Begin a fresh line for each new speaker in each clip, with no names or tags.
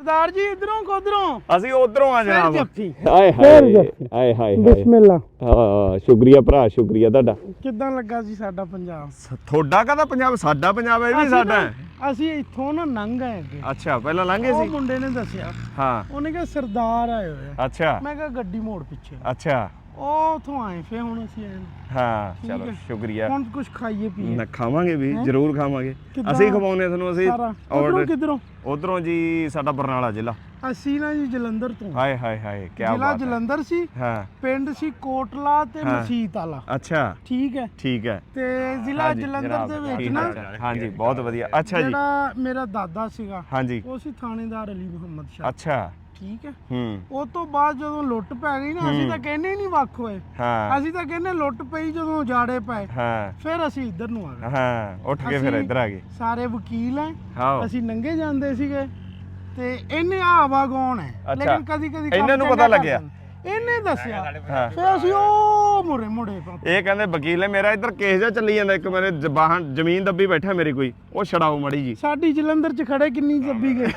सरदार जी इधरों को उधरों
ਅਸੀਂ ਉਧਰੋਂ ਆ ਜਨਾਬ
जफ्फी
ਆਏ ਹਾਏ ਆਏ ਹਾਏ
बिस्मिल्लाह
ਹਾਂ ਸ਼ੁਕਰੀਆ ਭਰਾ ਸ਼ੁਕਰੀਆ ਤੁਹਾਡਾ
ਕਿੱਦਾਂ ਲੱਗਾ ਜੀ ਸਾਡਾ ਪੰਜਾਬ
ਤੁਹਾਡਾ ਕਾਹਦਾ ਪੰਜਾਬ ਸਾਡਾ ਪੰਜਾਬ ਹੈ ਇਹ ਵੀ ਸਾਡਾ ਹੈ
ਅਸੀਂ ਇੱਥੋਂ ਨਾ ਲੰਘ ਆਏ ਅੱਗੇ
ਅੱਛਾ ਪਹਿਲਾਂ ਲੰਘੇ
ਉਹ
ਸੀ
ਮੁੰਡੇ ਨੇ ਦੱਸਿਆ
ਹਾਂ
ਉਹਨੇ ਕਿਹਾ ਸਰਦਾਰ ਆਏ ਹੋਏ ਆ
ਅੱਛਾ
ਮੈਂ ਕਿਹਾ ਗੱਡੀ ਮੋੜ ਪਿੱਛੇ
ਅੱਛਾ
ਉਹ ਉਥੋਂ ਆਏ ਫੇ ਹੁਣ ਅਸੀਂ ਆਏ
ਹਾਂ
ਠੀਕ
ਚਲੋ
ਹੈ।
ਸ਼ੁਕਰੀਆ
ਹੁਣ ਕੁਝ ਖਾਈਏ ਪੀਏ
ਨਾ ਖਾਵਾਂਗੇ ਵੀ
ਹੈਂ?
ਜ਼ਰੂਰ ਖਾਵਾਂਗੇ
ਕਿੱਦਾਂ?
ਅਸੀਂ ਖਵਾਉਨੇ ਤੁਹਾਨੂੰ ਅਸੀਂ
ਉਧਰੋਂ ਕਿਧਰੋਂ
ਉਧਰੋਂ ਜੀ ਸਾਡਾ ਬਰਨਾਲਾ ਜ਼ਿਲ੍ਹਾ
ਅਸੀਂ ਨਾ ਜੀ ਜਲੰਧਰ ਤੋਂ
ਹਾਏ ਹਾਏ ਹਾਏ ਕੀ
ਜ਼ਿਲ੍ਹਾ
ਬਾਤ ਹੈ
ਜਲੰਧਰ ਸੀ
ਹਾਂ
ਪਿੰਡ ਸੀ ਕੋਟਲਾ ਤੇ
ਹਾਂ।
ਮਸੀਤ ਵਾਲਾ
ਅੱਛਾ
ਠੀਕ ਹੈ
ਠੀਕ ਹੈ
ਤੇ ਜ਼ਿਲ੍ਹਾ
ਹਾਂਜੀ,
ਜਲੰਧਰ
ਜਨਾਬ,
ਦੇ ਵਿੱਚ
ਠੀਕ
ਨਾ
ਹੈ। ਹਾਂਜੀ ਬਹੁਤ ਵਧੀਆ ਅੱਛਾ ਜੀ
ਜਿਹੜਾ ਮੇਰਾ ਦਾਦਾ ਸੀਗਾ
ਹਾਂਜੀ
ਉਹ ਸੀ ਥਾਣੇਦਾਰ ਅਲੀ ਮੁਹੰਮਦ ਸ਼ਾਹ
ਅੱਛਾ
ਠੀਕ ਹੈ
ਹੂੰ
ਉਹ ਤੋਂ ਬਾਅਦ ਜਦੋਂ ਲੁੱਟ ਪੈ ਗਈ ਨਾ ਅਸੀਂ ਤਾਂ ਕਹਿੰਦੇ ਹੀ ਨਹੀਂ ਵੱਖ ਹੋਏ
ਹਾਂ
ਅਸੀਂ ਤਾਂ ਕਹਿੰਦੇ ਲੁੱਟ ਪਈ ਜਦੋਂ ਉਜਾੜੇ ਪਏ
ਹਾਂ
ਫਿਰ ਅਸੀਂ ਇੱਧਰ ਨੂੰ ਆ ਗਏ
ਹਾਂ ਉੱਠ ਕੇ ਫਿਰ
ਅਸੀਂ
ਇੱਧਰ ਆ ਗਏ
ਸਾਰੇ ਵਕੀਲ ਐ
ਹਾਂ
ਅਸੀਂ ਨੰਗੇ ਜਾਂਦੇ ਸੀਗੇ ਤੇ ਇਹਨੇ ਆਵਾ ਗੌਣ ਹੈ
ਅੱਛਾ।
ਲੇਕਿਨ ਕਦੀ ਕਦੀ
ਇਹਨਾਂ ਨੂੰ ਪਤਾ ਲੱਗਿਆ।
ਇਹਨੇ ਦੱਸਿਆ
ਹਾਂ
ਫਿਰ ਅਸੀਂ ਉਹ ਮੁੜੇ
ਇਹ ਕਹਿੰਦੇ ਵਕੀਲ ਨੇ ਮੇਰਾ ਇੱਧਰ ਕੇਸ ਜਿਹਾ ਚੱਲੀ ਜਾਂਦਾ ਇੱਕ ਮੇਰੇ ਜ਼ਬਾਨ ਜ਼ਮੀਨ ਦੱਬੀ ਬੈਠਾ ਮੇਰੀ ਕੋਈ ਉਹ ਛਡਾਓ ਮੜੀ ਜੀ
ਸਾਡੀ ਜਲੰਧਰ ਚ ਖੜੇ ਕਿੰਨੀ ਦੱਬੀ ਗਏ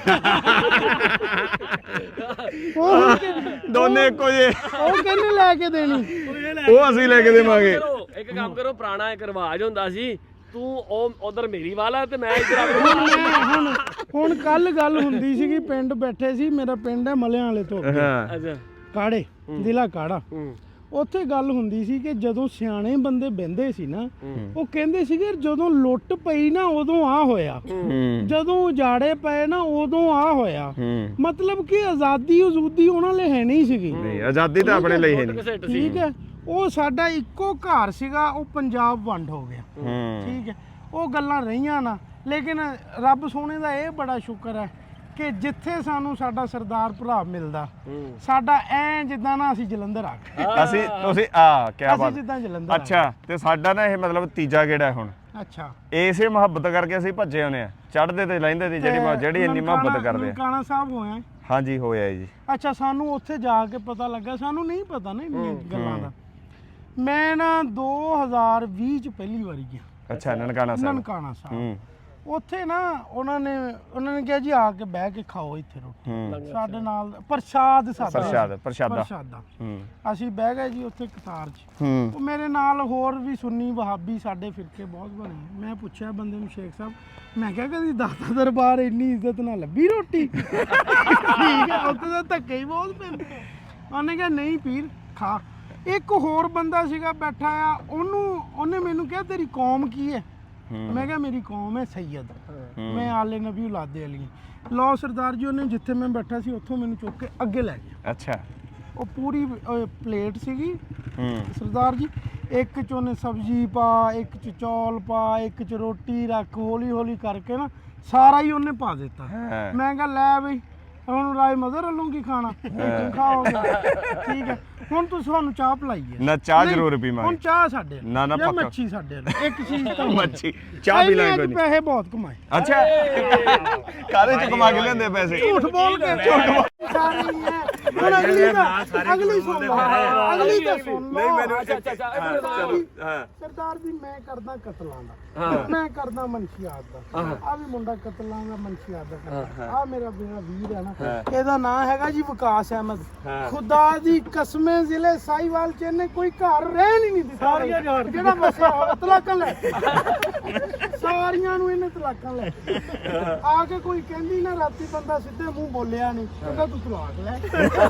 ਉਹ
ਦੋਨੇ ਇੱਕੋ ਜੇ
ਉਹ ਕਹਿੰਦੇ ਲੈ ਕੇ ਦੇਣੀ
ਉਹ ਅਸੀਂ ਲੈ ਕੇ ਦੇਵਾਂਗੇ
ਇੱਕ ਕੰਮ ਕਰੋ ਪੁਰਾਣਾ ਇੱਕ ਰਿਵਾਜ ਹੁੰਦਾ ਸੀ ਤੂੰ ਉਹ ਉਧਰ ਮੇਰੀ ਵਾਲਾ ਤੇ ਮੈਂ ਇੱਧਰ
ਹੁਣ ਕੱਲ ਗੱਲ ਹੁੰਦੀ ਸੀਗੀ ਪਿੰਡ ਬੈਠੇ ਸੀ ਮੇਰਾ ਪਿੰਡ ਹੈ ਮਲਿਆਂ ਵਾਲੇ ਤੋਂ
ਹਾਂ
ਅੱਛਾ
ਕਾੜੇ ਜ਼ਿਲ੍ਹਾ ਕਾੜਾ ਉੱਥੇ ਗੱਲ ਹੁੰਦੀ ਸੀ ਕਿ ਜਦੋਂ ਸਿਆਣੇ ਬੰਦੇ ਬਹਿੰਦੇ ਸੀ ਨਾ ਉਹ ਕਹਿੰਦੇ ਸੀਗੇ ਜਦੋਂ ਲੁੱਟ ਪਈ ਨਾ ਉਦੋਂ ਆ ਹੋਇਆ ਜਦੋਂ ਉਜਾੜੇ ਪਏ ਨਾ ਉਦੋਂ ਆ ਹੋਇਆ ਮਤਲਬ ਕਿ ਆਜ਼ਾਦੀ ਉਹਨਾਂ ਲਈ ਹੈ ਨਹੀਂ ਸੀਗੀ
ਨਹੀਂ ਆਜ਼ਾਦੀ ਤਾਂ ਆਪਣੇ ਲਈ ਹੈ ਨਹੀਂ
ਠੀਕ ਹੈ ਉਹ ਸਾਡਾ ਇੱਕੋ ਘਰ ਸੀਗਾ ਉਹ ਪੰਜਾਬ ਵੰਡ ਹੋ ਗਿਆ ਠੀਕ ਹੈ ਉਹ ਗੱਲਾਂ ਰਹੀਆਂ ਨਾ ਲੇਕਿਨ ਰੱਬ ਸੋਹਣੇ ਦਾ ਇਹ ਬੜਾ ਸ਼ੁਕਰ ਹੈ ਕਿ ਜਿੱਥੇ ਸਾਨੂੰ ਸਾਡਾ ਸਰਦਾਰ ਭਰਾ ਮਿਲਦਾ ਸਾਡਾ ਐ ਜਿੱਦਾਂ ਨਾ ਅਸੀਂ ਜਲੰਧਰ ਆ ਗਏ
ਅਸੀਂ ਤੁਸੀਂ ਕੀ
ਅਸੀਂ
ਬਾਤ
ਜਿੱਦਾਂ ਜਲੰਧਰ
ਅੱਛਾ ਤੇ ਸਾਡਾ ਨਾ ਇਹ ਮਤਲਬ ਤੀਜਾ ਗੇੜਾ ਹੁਣ
ਅੱਛਾ
ਇਸੇ ਮੁਹੱਬਤ ਕਰਕੇ ਅਸੀਂ ਭੱਜੇ ਆਉਨੇ ਆ ਚੜ੍ਹਦੇ ਤੇ ਲੈਂਦੇ ਤੇ ਜਿਹੜੀ ਇੰਨੀ ਮੁਹੱਬਤ ਕਰਦੇ ਆ
ਨਨਕਾਣਾ ਸਾਹਿਬ ਹੋਇਆ
ਹਾਂਜੀ ਹੋਇਆ ਜੀ
ਅੱਛਾ ਸਾਨੂੰ ਉੱਥੇ ਜਾ ਕੇ ਪਤਾ ਲੱਗਾ ਸਾਨੂੰ ਨਹੀਂ ਪਤਾ ਨਾ ਇੰਨੀਆਂ ਗੱਲਾਂ ਦਾ ਮੈਂ ਨਾ 2020 ਚ ਪਹਿਲੀ ਵਾਰੀ ਗਿਆ
ਅੱਛਾ ਨਨਕਾਣਾ ਸਾਹਿਬ
ਨਨਕਾਣਾ ਸਾਹਿਬ ਉੱਥੇ ਨਾ ਉਹਨਾਂ ਨੇ ਕਿਹਾ ਜੀ ਆ ਕੇ ਬਹਿ ਕੇ ਖਾਓ ਇੱਥੇ ਰੋਟੀ ਸਾਡੇ ਨਾਲ ਪ੍ਰਸ਼ਾਦਾ ਅਸੀਂ ਬਹਿ ਗਏ ਜੀ ਉੱਥੇ ਕਤਾਰ 'ਚ ਉਹ ਮੇਰੇ ਨਾਲ ਹੋਰ ਵੀ ਸੁੰਨੀ ਵਹਾਬੀ ਸਾਡੇ ਫਿਰਕੇ ਬਹੁਤ ਬਣੇ ਮੈਂ ਪੁੱਛਿਆ ਬੰਦੇ ਨੂੰ ਸ਼ੇਖ ਸਾਹਿਬ ਮੈਂ ਕਿਹਾ ਕਦੀ ਦਾਤਾ ਦਰਬਾਰ ਇੰਨੀ ਇੱਜ਼ਤ ਨਾਲ ਲੱਭੀ ਰੋਟੀ ਠੀਕ ਹੈ ਉੱਥੇ ਤਾਂ ਧੱਕੇ ਹੀ ਬਹੁਤ ਪੈਂਦੇ ਉਹਨੇ ਕਿਹਾ ਨਹੀਂ ਪੀਰ ਖਾ ਇੱਕ ਹੋਰ ਬੰਦਾ ਸੀਗਾ ਬੈਠਾ ਆ ਉਹਨੇ ਮੈਨੂੰ ਕਿਹਾ ਤੇਰੀ ਕੌਮ ਕੀ ਹੈ ਮੈਂ ਕਿਹਾ ਮੇਰੀ ਕੌਮ ਹੈ ਸੈਯਦ ਮੈਂ ਆਲੇ ਨਬੀ ਔਲਾਦੇ ਅਲੀ ਲਓ ਸਰਦਾਰ ਜੀ ਉਹਨੇ ਜਿੱਥੇ ਮੈਂ ਬੈਠਾ ਸੀ ਉੱਥੋਂ ਮੈਨੂੰ ਚੁੱਕ ਕੇ ਅੱਗੇ ਲੈ ਗਿਆ
ਅੱਛਾ
ਉਹ ਪੂਰੀ ਪਲੇਟ ਸੀਗੀ ਸਰਦਾਰ ਜੀ ਇੱਕ ਚ ਉਹਨੇ ਸਬਜ਼ੀ ਪਾ ਇੱਕ ਚ ਚੌਲ ਪਾ ਇੱਕ ਚ ਰੋਟੀ ਰੱਖ ਹੌਲੀ ਹੌਲੀ ਕਰਕੇ ਨਾ ਸਾਰਾ ਹੀ ਉਹਨੇ ਪਾ ਦਿੱਤਾ ਮੈਂ ਕਿਹਾ ਲੈ ਬਈ ਹੁਣ ਰਾਏ ਮਦਰ ਵੱਲੋਂ ਕੀ ਖਾਣਾ ਖਾਓਗੇ ਠੀਕ ਹੈ ਹੁਣ ਤੁਸੀਂ ਸਾਨੂੰ ਚਾਹ ਪਿਲਾਈਏ
ਨਾ ਚਾਹ ਜ਼ਰੂਰ ਪੀਵਾਂਗੇ
ਹੁਣ ਚਾਹ ਸਾਡੇ
ਨਾ
ਜਾਂ ਮੱਛੀ ਸਾਡੇ ਇੱਕ ਚੀਜ਼ ਤਾਂ
ਮੱਛੀ ਚਾਹ ਪੀ ਲਾਂਗੇ ਕੋਈ
ਪੈਸੇ ਬਹੁਤ ਕਮਾਏ
ਅੱਛਾ ਕਾਹਦੇ ਚ ਕਮਾ ਕੇ ਲਿਆਂਦੇ ਪੈਸੇ
ਝੂਠ ਬੋਲ ਕੇ ਸਾਰੀ ਹੈ ਹੁਣ ਅਗਲੀ ਸੁਣ ਲਓ ਅਗਲੀ ਤਾਂ ਸੁਣ ਲਓ
ਨਹੀਂ ਮੈਨੂੰ
ਸਰਦਾਰ ਜੀ ਮੈਂ ਕਰਦਾ ਕਤਲਾਂ ਦਾ ਮੈਂ ਕਰਦਾ ਮਨਸ਼ੀਆਤ ਦਾ ਆ ਵੀ ਮੁੰਡਾ ਕਤਲਾਂ ਦਾ ਮਨਸ਼ੀਆਤ ਦਾ ਕਰਦਾ ਆ ਮੇਰਾ ਵੀਰ ਹੈ ਨਾ ਇਹਦਾ ਨਾਂ ਹੈਗਾ ਜੀ ਵਿਕਾਸ ਅਹਿਮਦ ਖੁਦਾ ਦੀ ਕਸਮੇ ਜ਼ਿਲ੍ਹੇ ਸਾਹੀਵਾਲ ਚ ਇਹਨੇ ਕੋਈ ਘਰ ਰਹਿਣ ਹੀ ਨਹੀਂ ਦਿੱਤਾ ਜਿਹੜਾ ਵਸਿਆ ਹੋਇਆ ਤਲਾਕਾਂ ਲੈ ਸਾਰੀਆਂ ਨੂੰ ਇਹਨੇ ਤਲਾਕਾਂ ਲੈ ਆ ਕੇ ਕੋਈ ਕਹਿੰਦੀ ਨਾ ਰਾਤੀ ਬੰਦਾ ਸਿੱਧੇ ਮੂੰਹ ਬੋਲਿਆ ਨਹੀਂ ਕਹਿੰਦਾ ਤੂੰ ਤਲਾਕ ਲੈ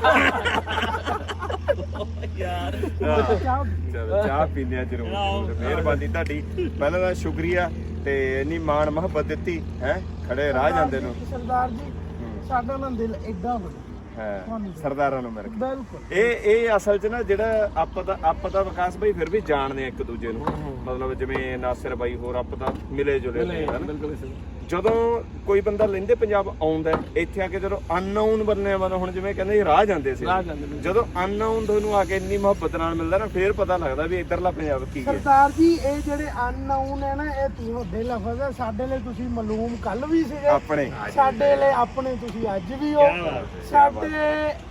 ਯਾਰ
ਚਾਹ ਪੀਂਦੇ ਆ ਜ਼ਰੂਰ ਮਿਹਰਬਾਨੀ ਤੁਹਾਡੀ ਪਹਿਲਾਂ ਤਾਂ ਸ਼ੁਕਰੀਆ ਤੇ ਇੰਨੀ ਮਾਣ ਮੁਹੱਬਤ ਦਿੱਤੀ ਹੈ ਖੜੇ ਰਾਹ ਜਾਂਦੇ ਨੂੰ
ਸਰਦਾਰ ਜੀ ਸਾਡਾ ਨਾ ਦਿਲ ਐਡਾ ਵੱਡਾ
ਸਰਦਾਰਾਂ ਨੂੰ ਮਿਲ ਕੇ
ਬਿਲਕੁਲ
ਇਹ ਅਸਲ 'ਚ ਨਾ ਜਿਹੜਾ ਆਪਾਂ ਦਾ ਵਿਕਾਸ ਭਾਈ ਫਿਰ ਵੀ ਜਾਣਦੇ ਆ ਇੱਕ ਦੂਜੇ ਨੂੰ ਮਤਲਬ ਜਿਵੇਂ ਨਾਸਿਰ ਬਾਈ ਹੋਰ ਆਪਾਂ ਤਾਂ ਮਿਲੇ ਜੁਲੇ ਨੇ
ਬਿਲਕੁਲ
ਜਦੋਂ ਕੋਈ ਬੰਦਾ ਲੈਂਦੇ ਪੰਜਾਬ ਆਉਂਦਾ ਇੱਥੇ ਆ ਕੇ ਜਦੋਂ ਅਨਨੋਨ ਬੰਨੇ ਹੁਣ ਜਿਵੇਂ ਕਹਿੰਦੇ ਰਾਹ ਜਾਂਦੇ ਸੀ ਜਦੋਂ ਅਨਨੋਨ ਤੁਹਾਨੂੰ ਆ ਕੇ ਇੰਨੀ ਮੁਹੱਬਤ ਨਾਲ ਮਿਲਦਾ ਨਾ ਫੇਰ ਪਤਾ ਲੱਗਦਾ ਵੀ ਇੱਧਰਲਾ ਪੰਜਾਬ ਕੀ ਹੈ
ਸਰਦਾਰ ਜੀ ਇਹ ਜਿਹੜੇ ਅਨਨੋਨ ਹੈ ਨਾ ਇਹ ਤੁਹਾਡੇ ਲਫ਼ਜ਼ ਹੈ ਸਾਡੇ ਲਈ ਤੁਸੀਂ ਮਾਲੂਮ ਕੱਲ ਵੀ ਸੀਗੇ
ਆਪਣੇ
ਸਾਡੇ ਲਈ ਆਪਣੇ ਤੁਸੀਂ ਅੱਜ ਵੀ ਹੋ ਸਾਡੇ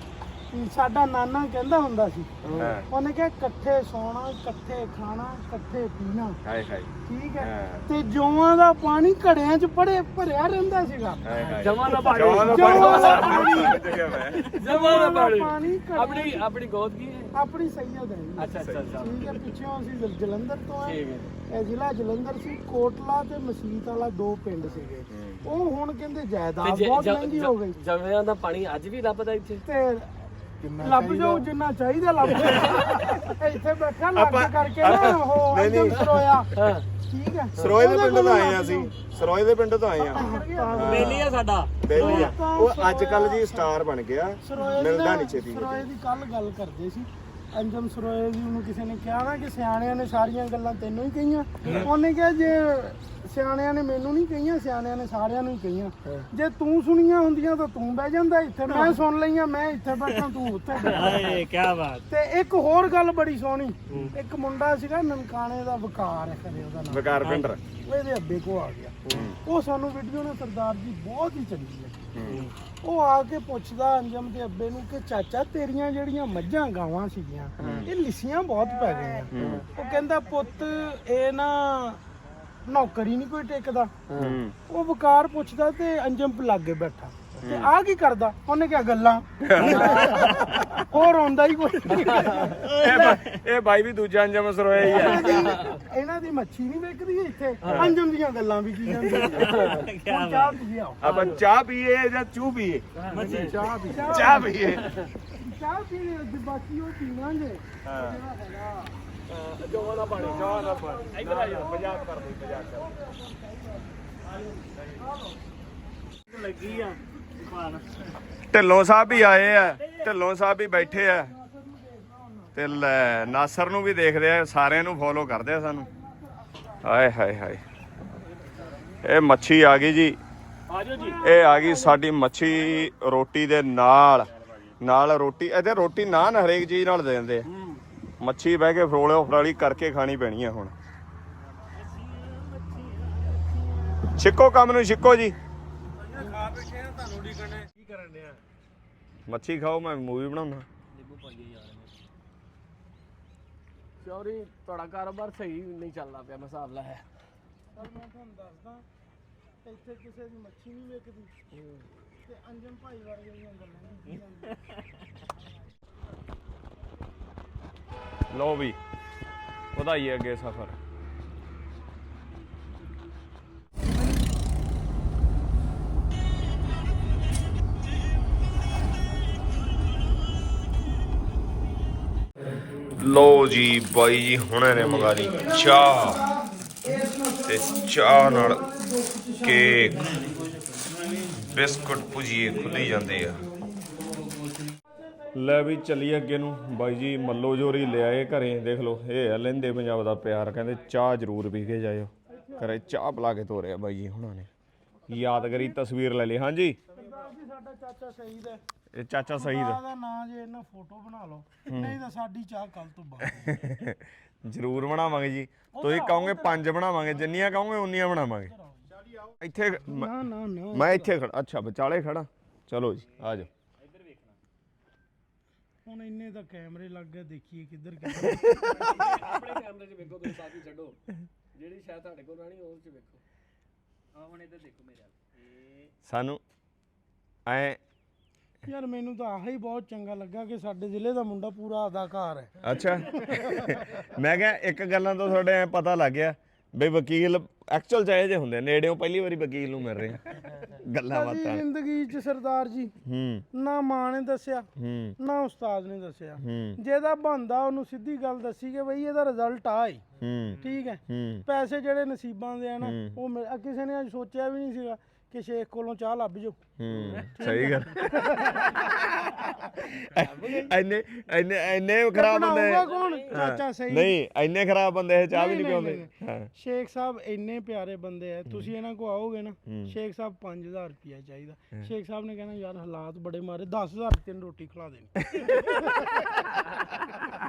ਸਾਡਾ ਨਾਨਾ ਕਹਿੰਦਾ ਹੁੰਦਾ ਸੀ,
ਹਾਂ
ਉਹਨੇ ਕਿਹਾ ਇਕੱਠੇ ਸੌਣਾ, ਇਕੱਠੇ ਖਾਣਾ, ਇਕੱਠੇ ਪੀਣਾ।
ਹਾਏ ਹਾਏ
ਠੀਕ ਹੈ।
ਹਾਂ।
ਤੇ ਜੌਆਂ ਦਾ ਪਾਣੀ ਘੜਿਆਂ 'ਚ ਭਰਿਆ ਰਹਿੰਦਾ ਸੀਗਾ।
ਹਾਏ ਹਾਏ
ਜਮਾਂ ਦਾ ਪਾਣੀ।
ਜਮਾਂ ਦਾ
ਜਮਾਂ ਦਾ
ਪਾਣੀ
ਜਮਾਂ ਦਾ ਪਾਣੀ।
ਘੜਿਆਂ 'ਚ
ਆਪਣੀ ਗੋਦ ਕੀ ਹੈ?
ਆਪਣੀ ਸੈਯਦ ਹੈ ਜੀ।
ਅੱਛਾ ਅੱਛਾ ਅੱਛਾ
ਠੀਕ ਹੈ। ਪਿੱਛੋਂ ਅਸੀਂ ਜਲੰਧਰ ਤੋਂ ਆਏ।
ਠੀਕ ਹੈ।
ਇਹ ਜ਼ਿਲ੍ਹਾ ਜਲੰਧਰ ਸੀ। ਕੋਟਲਾ ਤੇ ਮਸੀਤ ਵਾਲਾ 2 ਪਿੰਡ ਸੀਗੇ। ਉਹ ਹੁਣ ਕਹਿੰਦੇ ਜਾਇਦਾਦ ਬਹੁਤ ਮਹਿੰਗੀ ਹੋ ਗਈ।
ਜਮਿਆਂ ਦਾ ਪਾਣੀ ਅੱਜ ਵੀ ਲੱਭਦਾ ਇੱਥੇ
ਤੇ ਲੱਭ ਜਾਓ ਜਿੰਨਾ ਚਾਹੀਦਾ ਲੱਭ ਜਾਓ। ਇੱਥੇ ਬੈਠਾ ਲੱਗ ਕਰਕੇ ਨਾ ਉਹ ਅੰਜਮ ਸਰੋਇਆ।
ਹਾਂ
ਠੀਕ ਹੈ।
ਸਰੋਏ ਦੇ ਪਿੰਡ ਤੋਂ ਆਏ ਆ ਅਸੀਂ, ਸਰੋਏ ਦੇ ਪਿੰਡ ਤੋਂ ਆਏ ਆ।
ਬੇਲੀ ਆ ਸਾਡਾ
ਬੇਲੀ ਆ ਉਹ ਅੱਜ ਕੱਲ ਜੀ ਸਟਾਰ ਬਣ ਗਿਆ, ਮਿਲਦਾ ਨਹੀਂ ਛੇਤੀ।
ਸਰੋਏ ਦੀ ਕੱਲ ਗੱਲ ਕਰਦੇ ਸੀ। ਅੰਜਮ ਸਰੋਏ ਦੀ ਉਹਨੂੰ ਕਿਸੇ ਨੇ ਕਿਹਾ ਨਾ ਕਿ ਸਿਆਣਿਆਂ ਨੇ ਸਾਰੀਆਂ ਗੱਲਾਂ ਤੈਨੂੰ ਹੀ ਕਹੀਆਂ। ਉਹਨੇ ਕਿਹਾ ਜੇ ਸਿਆਣਿਆਂ ਨੇ ਮੈਨੂੰ ਨਹੀਂ ਕਹੀਆਂ, ਸਿਆਣਿਆਂ ਨੇ ਸਾਰਿਆਂ ਨੂੰ ਹੀ ਕਹੀਆਂ। ਜੇ ਤੂੰ ਸੁਣੀਆਂ ਹੁੰਦੀਆਂ ਤਾਂ ਤੂੰ ਬਹਿ ਜਾਂਦਾ ਇੱਥੇ। ਮੈਂ ਸੁਣ ਲਈਆਂ, ਮੈਂ ਇੱਥੇ ਬੈਠਾ, ਤੂੰ ਉੱਥੇ ਬੈਠਾ।
ਕੀ ਬਾਤ।
ਤੇ ਇੱਕ ਹੋਰ ਗੱਲ ਬੜੀ ਸੋਹਣੀ, ਇੱਕ ਮੁੰਡਾ ਸੀਗਾ ਨਨਕਾਣੇ ਦਾ ਵਕਾਰ ਹੈ ਖਰੇ ਉਹਦਾ ਨਾਮ,
ਵਕਾਰ ਪਿੰਡਰ।
ਉਹਦੇ ਅੱਬੇ ਕੋ ਆ ਗਿਆ। ਉਹ ਸਾਨੂੰ ਵੀਡੀਓ ਨੇ ਸਰਦਾਰ ਜੀ ਬਹੁਤ ਹੀ ਚੰਗੀ ਲੱਗੀ। ਉਹ ਆ ਕੇ ਪੁੱਛਦਾ ਅੰਜਮ ਦੇ ਅੱਬੇ ਨੂੰ ਕਿ ਚਾਚਾ ਤੇਰੀਆਂ ਜਿਹੜੀਆਂ ਮੱਝਾਂ ਗਾਵਾਂ ਸੀਗੀਆਂ ਇਹ ਲਿੱਸੀਆਂ ਬਹੁਤ ਪੈ ਗਈਆਂ। ਉਹ ਕਹਿੰਦਾ ਪੁੱਤ ਇਹ ਨਾ ਨੌਕਰੀ ਨਹੀਂ ਕੋਈ ਟਿਕਦਾ। ਉਹ ਵਕਾਰ ਪੁੱਛਦਾ ਤੇ ਅੰਜਮ ਲਾਗੇ ਬੈਠਾ ਤੇ ਆ ਕੀ ਕਰਦਾ? ਉਹਨੇ ਕਿਹਾ ਗੱਲਾਂ। ਹੋਰ ਆਉਂਦਾ ਹੀ ਕੋਈ
ਇਹ ਬਾਈ ਵੀ ਦੂਜਾ ਅੰਜਮ ਸਰੋਇਆ ਹੀ ਆ।
ਇਹਨਾਂ ਦੀ ਮੱਛੀ ਨਹੀਂ ਵਿਕਦੀ ਇੱਥੇ, ਅੰਜਮ ਦੀਆਂ ਗੱਲਾਂ ਵੀ ਕੀ ਜਾਂਦੀਆਂ। ਚਾਹ ਪੀਏ ਆਓ।
ਆਪਾਂ ਚਾਹ ਪੀਏ ਜਾਂ ਚੂ ਪੀਏ?
ਚਾਹ ਪੀ
ਚਾਹ ਪੀਏ।
ਚਾਹ ਪੀਏ ਅੱਜ ਬਾਕੀ ਉਹ ਪੀਵਾਂਗੇ।
ਹਾਂ
ਜਮਾਂ ਦਾ ਪਾਣੀ।
ਚਾਹ ਦਾ ਪਾਣੀ। ਇੱਧਰ ਆ ਜਾ, ਮਜ਼ਾਕ ਕਰਦੇ ਮਜ਼ਾਕ ਕਰਦੇ।
ਲੱਗੀ ਆ
ਢਿੱਲੋਂ ਸਾਹਿਬ ਵੀ ਆਏ ਆ, ਢਿੱਲੋਂ ਸਾਹਿਬ ਵੀ ਬੈਠੇ ਆ ਤੇ ਲੈ ਨਾਸਰ ਨੂੰ ਵੀ ਦੇਖਦੇ ਆ, ਸਾਰਿਆਂ ਨੂੰ ਫੋਲੋ ਕਰਦੇ ਆ ਸਾਨੂੰ। ਹਾਏ ਹਾਏ ਹਾਏ ਇਹ ਮੱਛੀ ਆ ਗਈ ਜੀ।
ਆਜੋ ਜੀ।
ਇਹ ਆ ਗਈ ਸਾਡੀ ਮੱਛੀ ਰੋਟੀ ਦੇ ਨਾਲ ਰੋਟੀ। ਇਹਦੇ ਰੋਟੀ ਨਾਨ ਹਰੇਕ ਚੀਜ਼ ਨਾਲ ਦੇ ਦਿੰਦੇ ਆ। ਮੱਛੀ ਬਹਿ ਕੇ ਫਰੋਲਿਓ ਫਰਾਲੀ ਕਰਕੇ ਖਾਣੀ ਪੈਣੀ ਆ ਹੁਣ। ਛਿੱਕੋ ਕੰਮ ਨੂੰ ਛਿੱਕੋ ਜੀ। ਮੱਛੀ ਖਾਓ, ਮੈਂ ਮੂਵੀ ਬਣਾਉਣਾ।
ਚੌਰੀ ਤੁਹਾਡਾ ਕਾਰੋਬਾਰ ਸਹੀ ਨਹੀਂ ਚੱਲਦਾ ਪਿਆ, ਮੈਂ ਹਿਸਾਬ ਲਾਇਆ।
ਪਰ ਮੈਂ ਤੁਹਾਨੂੰ ਦੱਸਦਾ ਇੱਥੇ ਕਿਸੇ ਦੀ ਮੱਛੀ ਨਹੀਂ ਵਿਕਦੀ ਤੇ ਅੰਜਮ ਭਾਈ ਵਰਗੀਆਂ ਗੱਲਾਂ ਨਹੀਂ ਜਾਂਦੀਆਂ।
ਲਓ ਵੀ ਵਧਾਈਏ ਅੱਗੇ ਸਫ਼ਰ। ਲਓ ਜੀ ਬਾਈ ਜੀ ਹੁਣੇ ਨੇ ਮੰਗਾ ਲਈ ਚਾਹ ਤੇ ਚਾਹ ਨਾਲ ਕੇਕ ਬਿਸਕੁਟ ਭੁਜੀਏ ਖੁੱਲੀ ਜਾਂਦੇ ਆ। ਲੈ ਵੀ ਚੱਲੀਏ ਅੱਗੇ ਨੂੰ। ਬਾਈ ਜੀ ਮੱਲੋ ਜੋਰੀ ਲਿਆਏ ਘਰੇ, ਦੇਖ ਲਓ ਇਹ ਹੈ ਲਹਿੰਦੇ ਪੰਜਾਬ ਦਾ ਪਿਆਰ। ਕਹਿੰਦੇ ਚਾਹ ਜ਼ਰੂਰ ਪੀ ਕੇ ਜਾਇਓ। ਘਰੇ ਚਾਹ ਪਿਲਾ ਕੇ ਤੋਰਿਆ ਬਾਈ ਜੀ ਹੁਣਾਂ ਨੇ। ਯਾਦਗਾਰੀ ਤਸਵੀਰ ਲੈ ਲਈ। ਹਾਂਜੀ
ਸਾਡਾ ਚਾਚਾ ਸ਼ਹੀਦ ਹੈ।
ਇਹ ਚਾਚਾ ਸ਼ਹੀਦ
ਦਾ ਨਾਂ ਜੇ ਇਹਨਾਂ ਫੋਟੋ ਬਣਾ ਲਓ, ਨਹੀਂ ਤਾਂ ਸਾਡੀ ਚਾਹ ਕੱਲ ਤੋਂ ਬਾਅਦ
ਜ਼ਰੂਰ ਬਣਾਵਾਂਗੇ ਜੀ। ਤੁਸੀਂ ਕਹੋਗੇ 5 ਬਣਾਵਾਂਗੇ, ਜਿੰਨੀਆਂ ਕਹੋਗੇ ਉਨੀਆਂ ਬਣਾਵਾਂਗੇ। ਇੱਥੇ
ਨਾ ਨਾ ਨਾ
ਮੈਂ ਇੱਥੇ ਖੜਾ। ਅੱਛਾ ਵਿਚਾਲੇ ਖੜਾ। ਚਲੋ ਜੀ ਆ ਜਾਓ।
ਹੁਣ ਇੰਨੇ ਤਾਂ ਕੈਮਰੇ ਲੱਗ ਗਏ, ਦੇਖੀਏ ਕਿੱਧਰ
ਆਪਣੇ ਕੈਮਰੇ 'ਚ ਵੇਖੋ, ਤੁਸੀਂ ਸਾਥੀ ਛੱਡੋ। ਜਿਹੜੀ ਸ਼ਾਇਦ ਤੁਹਾਡੇ ਕੋਲ ਰਹਿਣੀ ਉਹ 'ਚ ਵੇਖੋ। ਹੁਣ ਇੱਧਰ ਦੇਖੋ ਮੇਰੇ
ਸਾਨੂੰ ਐ
ਯਾਰ ਮੈਨੂੰ ਤਾਂ ਆਹ ਹੀ ਬਹੁਤ ਚੰਗਾ ਲੱਗਾ ਕਿ ਸਾਡੇ ਜ਼ਿਲ੍ਹੇ ਦਾ ਮੁੰਡਾ ਪੂਰਾ ਅਦਾਕਾਰ ਹੈ।
ਅੱਛਾ ਮੈਂ ਕਿਹਾ ਇੱਕ ਗੱਲਾਂ ਤੋਂ ਤੁਹਾਡੇ ਐ ਪਤਾ ਲੱਗ ਗਿਆ ਬਈ ਵਕੀਲ ਐਕਚੁਅਲ ਚ ਇਹ ਜਿਹੇ ਹੁੰਦੇ, ਨੇੜਿਓਂ ਪਹਿਲੀ ਵਾਰੀ ਵਕੀਲ ਨੂੰ ਮਿਲ ਰਹੇ ਆ। ਗੱਲਾਂ ਬਾਤਾਂ
ਜ਼ਿੰਦਗੀ 'ਚ ਸਰਦਾਰ ਜੀ ਨਾ ਮਾਂ ਨੇ ਦੱਸਿਆ ਨਾ ਉਸਤਾਦ ਨੇ ਦੱਸਿਆ। ਜਿਹਦਾ ਬੰਦਾ ਉਹਨੂੰ ਸਿੱਧੀ ਗੱਲ ਦੱਸੀ ਕਿ ਬਈ ਇਹਦਾ ਰਿਜ਼ਲਟ ਆ ਹੀ ਠੀਕ ਹੈ। ਪੈਸੇ ਜਿਹੜੇ ਨਸੀਬਾਂ ਦੇ ਆ ਨਾ ਉਹ ਕਿਸੇ ਨੇ ਅੱਜ ਸੋਚਿਆ ਵੀ ਨਹੀਂ ਸੀਗਾ ਕਿ ਸ਼ੇਖ ਕੋਲੋਂ ਚਾਹ ਲੱਭ ਜਾਓ।
ਸਹੀ ਗੱਲ। ਇੰਨੇ ਖਰਾਬ ਬੰਦੇ
ਕੌਣ? ਚਾਚਾ ਸਹੀ
ਨਹੀਂ, ਇੰਨੇ ਖਰਾਬ ਬੰਦੇ ਇਹ ਚਾਹ ਵੀ ਨਹੀਂ ਪਿਉਂਦੇ।
ਸ਼ੇਖ ਸਾਹਿਬ ਇੰਨੇ ਪਿਆਰੇ ਬੰਦੇ ਆ, ਤੁਸੀਂ ਇਹਨਾਂ ਕੋ ਆਓਗੇ ਨਾ, ਸ਼ੇਖ ਸਾਹਿਬ 5000 ਰੁਪਇਆ ਚਾਹੀਦਾ। ਸ਼ੇਖ ਸਾਹਿਬ ਨੇ ਕਹਿਣਾ ਯਾਰ ਹਾਲਾਤ ਬੜੇ ਮਾਰੇ, 10000 ਤੈਨੂੰ ਰੋਟੀ ਖਿਲਾ ਦੇਣੀ।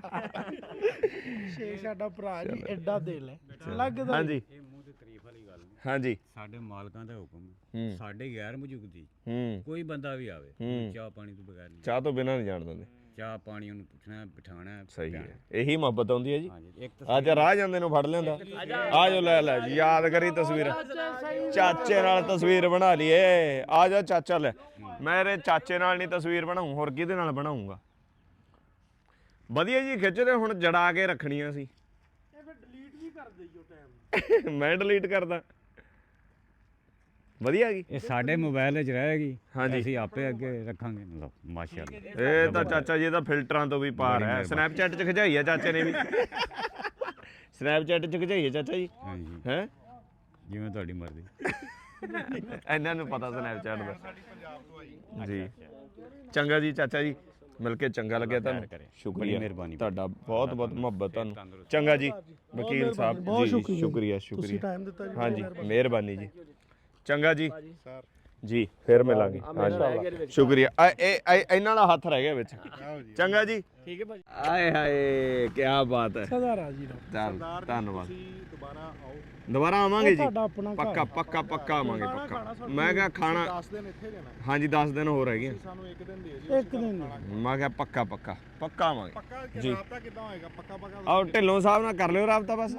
ਸ਼ੇਖ ਸਾਡਾ ਭਰਾ ਜੀ ਐਡਾ ਦਿਲ ਹੈ ਲੱਗਦਾ।
ਹਾਂਜੀ
ਇਹ ਮੂੰਹ ਤੇ ਤਾਰੀਫ ਵਾਲੀ ਗੱਲ
ਹਾਂਜੀ
ਸਾਡੇ ਮਾਲਕਾਂ ਦਾ ਹੁਕਮ
ਹੂੰ
ਸਾਡੇ ਗੈਰ ਮੌਜੂਦਗੀ
ਹੂੰ
ਕੋਈ ਬੰਦਾ ਵੀ ਆਵੇ
ਹੂੰ।
ਚਾਹ ਪਾਣੀ ਤੋਂ ਬਗੈਰ ਨਹੀਂ
ਚਾਹ ਤੋਂ ਬਿਨਾਂ ਨਹੀਂ ਜਾਣ ਦਿੰਦੇ।
ਚਾਹ ਪਾਣੀ ਉਹਨੂੰ ਪੁੱਛਣਾ ਬਿਠਾਣਾ
ਸਹੀ ਹੈ, ਇਹੀ ਮੁਹੱਬਤ ਆਉਂਦੀ ਹੈ ਜੀ।
ਹਾਂਜੀ ਇੱਕ
ਅੱਜ ਰਾਹ ਜਾਂਦੇ ਨੂੰ ਫੜ ਲਿਆਂਦਾ, ਆ ਜਾਓ ਲੈ ਜੀ, ਯਾਦ ਕਰੀ ਤਸਵੀਰ, ਚਾਚੇ ਨਾਲ ਤਸਵੀਰ ਬਣਾ ਲਈਏ। ਆ ਜਾ ਚਾਚਾ, ਲੈ ਮੇਰੇ ਚਾਚੇ ਨਾਲ ਨਹੀਂ ਤਸਵੀਰ ਬਣਾਉਂ, ਹੋਰ ਕਿਹਦੇ ਨਾਲ ਬਣਾਉਂਗਾ। ਵਧੀਆ ਜੀ ਖਿੱਚਦੇ, ਹੁਣ ਜੜਾ ਕੇ ਰੱਖਣੀਆਂ ਸੀ।
ਇਹ ਫਿਰ ਡਿਲੀਟ ਵੀ ਕਰ ਦਈਓ ਟਾਈਮ।
ਮੈਂ ਡਿਲੀਟ ਕਰਦਾ। ਵਧੀਆ ਗਈ
ਇਹ ਸਾਡੇ ਮੋਬਾਈਲ ਵਿੱਚ ਰਹੇਗੀ।
ਹਾਂਜੀ।
ਅਸੀਂ ਆਪੇ ਅੱਗੇ ਰੱਖਾਂਗੇ। ਲਓ ਮਾਸ਼ਾਅੱਲਾ।
ਇਹ ਤਾਂ ਚਾਚਾ ਜੀ ਦਾ ਫਿਲਟਰਾਂ ਤੋਂ ਵੀ ਪਾਰ ਹੈ। ਸਨੈਪਚੈਟ 'ਚ ਖਿਚਾਈ ਹੈ ਚਾਚੇ ਨੇ ਵੀ। ਸਨੈਪਚੈਟ 'ਚ ਖਿਚਾਈ ਹੈ ਚਾਚਾ ਜੀ।
ਹਾਂਜੀ
ਹੈ
ਜਿਵੇਂ ਤੁਹਾਡੀ ਮਰਜ਼ੀ।
ਇਹਨਾਂ ਨੂੰ ਪਤਾ ਸਨੈਪਚੈਟ ਦਾ ਜੀ। ਚੰਗਾ ਜੀ ਚਾਚਾ ਜੀ, ਮਿਲ ਕੇ ਚੰਗਾ ਲੱਗਿਆ ਤੁਹਾਨੂੰ। ਸ਼ੁਕਰੀਆ,
ਮਿਹਰਬਾਨੀ
ਤੁਹਾਡਾ ਬਹੁਤ ਬਹੁਤ ਮੁਹੱਬਤ ਤੁਹਾਨੂੰ। ਚੰਗਾ ਜੀ ਵਕੀਲ ਸਾਹਿਬ ਜੀ, ਸ਼ੁਕਰੀਆ ਸ਼ੁਕਰੀਆ।
ਟਾਈਮ ਦਿੱਤਾ ਜੀ।
ਹਾਂਜੀ ਮਿਹਰਬਾਨੀ ਜੀ। ਚੰਗਾ ਜੀ ਜੀ, ਫਿਰ ਮਿਲਾਂਗੇ। ਹਾਂਜੀ ਸ਼ੁਕਰੀਆ। ਇਹਨਾਂ ਦਾ ਹੱਥ ਰਹਿ ਗਿਆ ਵਿੱਚ। ਚੰਗਾ ਜੀ,
ਠੀਕ ਹੈ ਭਾਜੀ।
ਆਏ ਹਾਏ ਕੀ ਬਾਤ ਹੈ।
ਸਦਾ ਰਾਜੀ ਰਹੋ।
ਚੱਲ ਧੰਨਵਾਦ।
ਦੁਬਾਰਾ ਆਓ,
ਦੁਬਾਰਾ ਆਵਾਂਗੇ ਜੀ,
ਤੁਹਾਡਾ ਆਪਣਾ
ਪੱਕਾ ਪੱਕਾ ਪੱਕਾ ਆਵਾਂਗੇ ਪੱਕਾ। ਮੈਂ ਕਿਹਾ ਖਾਣਾ
10 ਦਿਨ ਇੱਥੇ ਰਹਿਣਾ,
ਹਾਂਜੀ 10 ਦਿਨ ਹੋਰ ਹੈਗੇ।
ਸਾਨੂੰ ਇੱਕ ਦਿਨ ਦੇ ਦਿਓ।
ਇੱਕ ਦਿਨ
ਮੈਂ ਕਿਹਾ ਪੱਕਾ ਪੱਕਾ ਪੱਕਾ ਆਵਾਂਗੇ
ਪੱਕਾ
ਜੀ।
ਰਾਬਤਾ ਕਿੱਦਾਂ ਹੋਏਗਾ? ਪੱਕਾ ਪੱਕਾ
ਆਓ ਢਿੱਲੋਂ ਸਾਹਿਬ ਨਾਲ ਕਰ ਲਿਓ ਰਾਬਤਾ ਬਸ।